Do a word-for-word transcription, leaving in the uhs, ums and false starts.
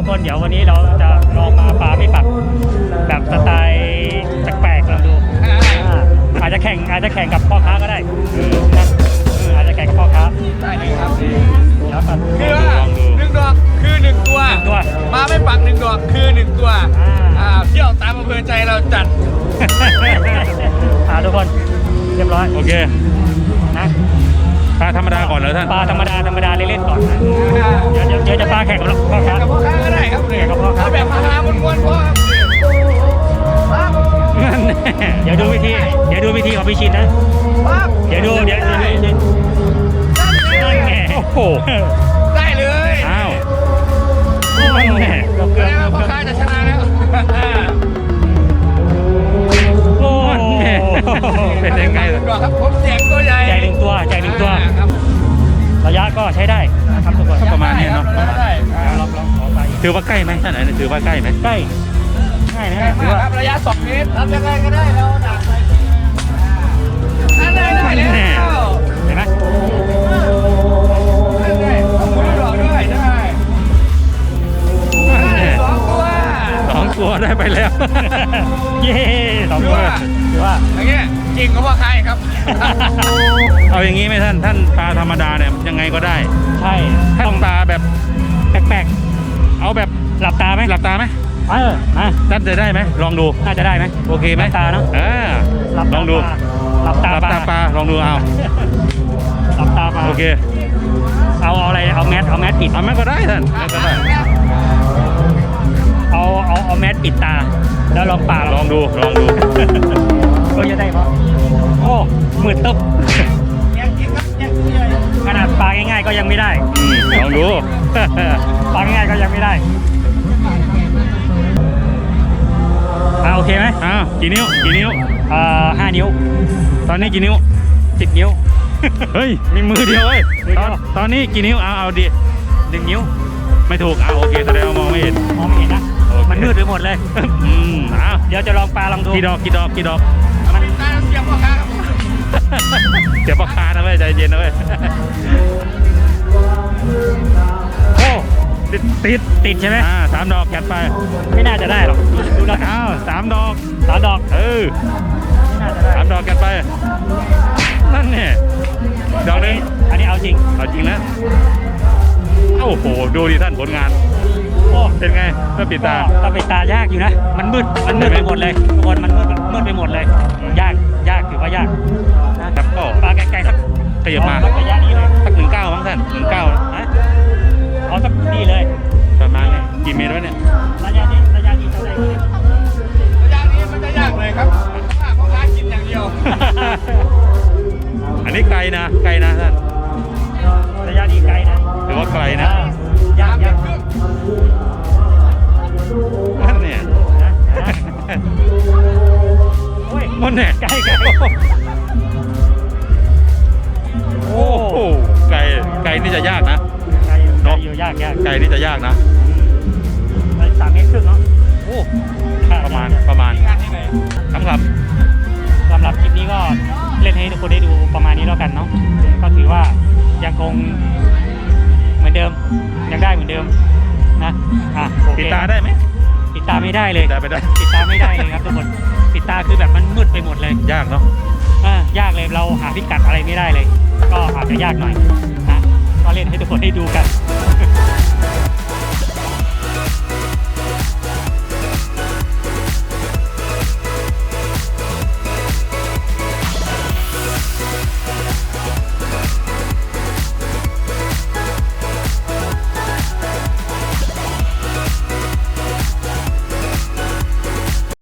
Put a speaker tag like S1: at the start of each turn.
S1: กคนเดี๋ยววันนี้เราจะลองมาปลาไม่ปักแบบสไตล์แปลกๆลองดูอาจจะแข่งอาจจะแข่งกับพ่อค้าก็ได้นะอาจจะแข่งกับพ่อค้า
S2: ได้เลยครับ
S1: แล้วกัน
S2: คือว่าหนึ่งดอกคือหนึ่งตัว
S1: ตัว
S2: มาไม่ปักหนึ่งดอกคือหนึ่งตัวอ่าเที่ยวตามอำเภอใจเราจัด
S1: อ่าทุกคนเรียบร้อย
S3: โอเค
S1: นะ
S3: ปลาธรรมดาก่อนเหรอท่าน
S1: ปลาธรรมดาธรรมดาเล่นๆก่อนนะเดี๋ยวเดี๋ยวจะปลาแข่งกับพ่อค้า
S2: กับพ่อค้าก็ได้ครับเลยเอาแบบพาหาม้วนๆพ่อครับ
S1: เดี๋ยวดูวิธีเดี๋ยวดูวิธีของพี่ชินนะเดี๋ยวดูเดี๋ยวดูนั่นไง
S3: โอ้โห
S2: ได้เลย
S3: อ้าว
S1: นั่นไงเราเกิน
S2: พ่อค้าจะชนะแล้ว
S1: โอ้
S3: เป็นยังไง
S2: ครับผมแจกตัวใหญ่
S1: ใหญ่หนึ่งตัวใหญ่หนึ่งตัวระยะก็ใช้ได้นะครับทุกคน
S3: ประมาณนี้เนาะ
S1: ลองลองขอไป
S3: ถือว่าใกล้ไหมท่านไหนถือว่าใกล้ไหม
S1: ใกล้ง่ายนะ
S2: ถือว่าระยะสองเมตรทำยังไงก็ได้แล้วดักไปนั่นเลยได้แล้ว
S1: เห็นไหม
S2: ได้ต้องหมุนดอกด้วยได้สองตัว
S3: สองตัวได้ไปแล้ว
S1: เย้สองตัวถือว่า
S2: อย่างเงี้ยจริงก็ว่าใครครับ
S3: เอาอย่างนี้ไหมท่านท่านปลาธรรมดาเนี่ยยังไงก็ได้
S1: ใช่
S3: ท่านปลาแบบ
S1: แปลก
S3: ๆเอาแบบ
S1: หลับตาไหม
S3: หลับตาไหม
S1: เออมา
S3: ท่านจะได้ไหมลองดู
S1: น่าจะได้ไหม
S3: โอเคไหม
S1: หลับตาเนาะ
S3: อ่าลองดู
S1: หลับตา
S3: หลับตาปลาลองดูเอา
S1: หลับตาปลา
S3: โอเค
S1: เอาเอาอะไรเอาแมสเอาแมสปิด
S3: เอาแมสก็ได้ท่านแมสก็ได้
S1: เอาเอาเอาแมสปิดตาแล้วลองปลา
S3: ลองดูลองดู
S1: ก็จะได้เพราะโอ้มืดตึ๊บขนาดปลาง่ายๆก็ยังไม่ได้
S3: ลองดู
S1: ปลาง่ายๆก็ยังไม่ได้อ่าโอเคไหม
S3: อ้าวกี่นิ้วกี่นิ้ว
S1: อ่าห้านิ้ว
S3: ตอนนี้กี่นิ้ว
S1: สิบนิ้ว
S3: เฮ้ยมีมือเดียวเว้ยตอนตอนนี้กี่นิ้วเอาเอาดิ
S1: หนึ่งนิ้ว
S3: ไม่ถูกเอาโอเคแสดงว่ามองไม่เห็น
S1: มองไม่เห็นนะมันมืดไปหมดเลย
S3: อืมอ้าว
S1: เดี๋ยวจะลองปลาลองดู
S3: กี่ดอกกี่ดอกกี่ดอก
S1: มัน
S2: เสียบพ่อค้า
S3: เดี๋ยวพ่อค้านะเว้ยใจเย็นนะเว้ย
S1: โอ้
S3: ติดติด
S1: ติดใช่ไหม
S3: อ่าสามดอกแกะไป
S1: ไม่น่าจะได้หรอกดูแล้ว
S3: อ้าวสามดอก
S1: สามดอก
S3: เออ
S1: ไม่น่าจะได้
S3: สามดอกแกะไปนั่นเนี่ยดอกนึง
S1: อันนี้เอาจริง
S3: เอาจริงนะโอ้โหดูดิท่านผลงาน
S1: โอ้
S3: เป็นไงเมื่อปิดตา
S1: ถ้าปิดตายากอยู่นะมันมืดมันมืดไปหมดเลยทุกคนมันมืดมืดไปหมดเลยยากยากถือว่ายาก
S3: นะครับก็
S1: ปลาไกลๆสัก
S3: ขยับมา
S1: ระยะนี้เลย
S3: สักหนึ่งเก้ามั้งท่านหนึ่งเก้า
S1: นะเอาสักนี่เลย
S3: ประมาณนี้กี่เมตรวะเนี่ย
S1: ระยะนี้ระยะนี้เท่าไหร่
S2: ระยะนี้มันจะยากเลยครับพ่อค้ากินอย่างเดียว
S3: อันนี้ไกลนะไกลนะท่าน
S1: ระยะนี้ไกลนะ
S3: ถือว่าไกลนะ
S1: ยากยาก
S3: นั่นเนี่ยมันเนี่ย
S1: ไกลไกล
S3: โอ้โหไกลไกลนี่จะยากนะ
S1: ไกลอยู่ยากยาก
S3: ไกลนี่จะยากนะ
S1: สามเมตรครึ่งเนาะ
S3: โอ้ประมาณประมาณสำหรับ
S1: สำหรับคลิปนี้ก็เล่นให้ทุกคนได้ดูประมาณนี้แล้วกันเนาะก็ถือว่ายังคงเหมือนเดิมยังได้เหมือนเดิมนะอ่ะ
S3: ปิดตาได้ไหม
S1: ปิดตาไม่ได้เลย
S3: ได้ไม่ได้
S1: ปิดตาไม่ได้เลยครับทุกคนปิดตาคือแบบมันมืดไปหมดเลย
S3: ยากเนาะ
S1: อ่ายากเลยเราหาพิกัดอะไรไม่ได้เลยก็อาจจะยากหน่อยนะก็เล่นให้ทุกคนได้ดูกัน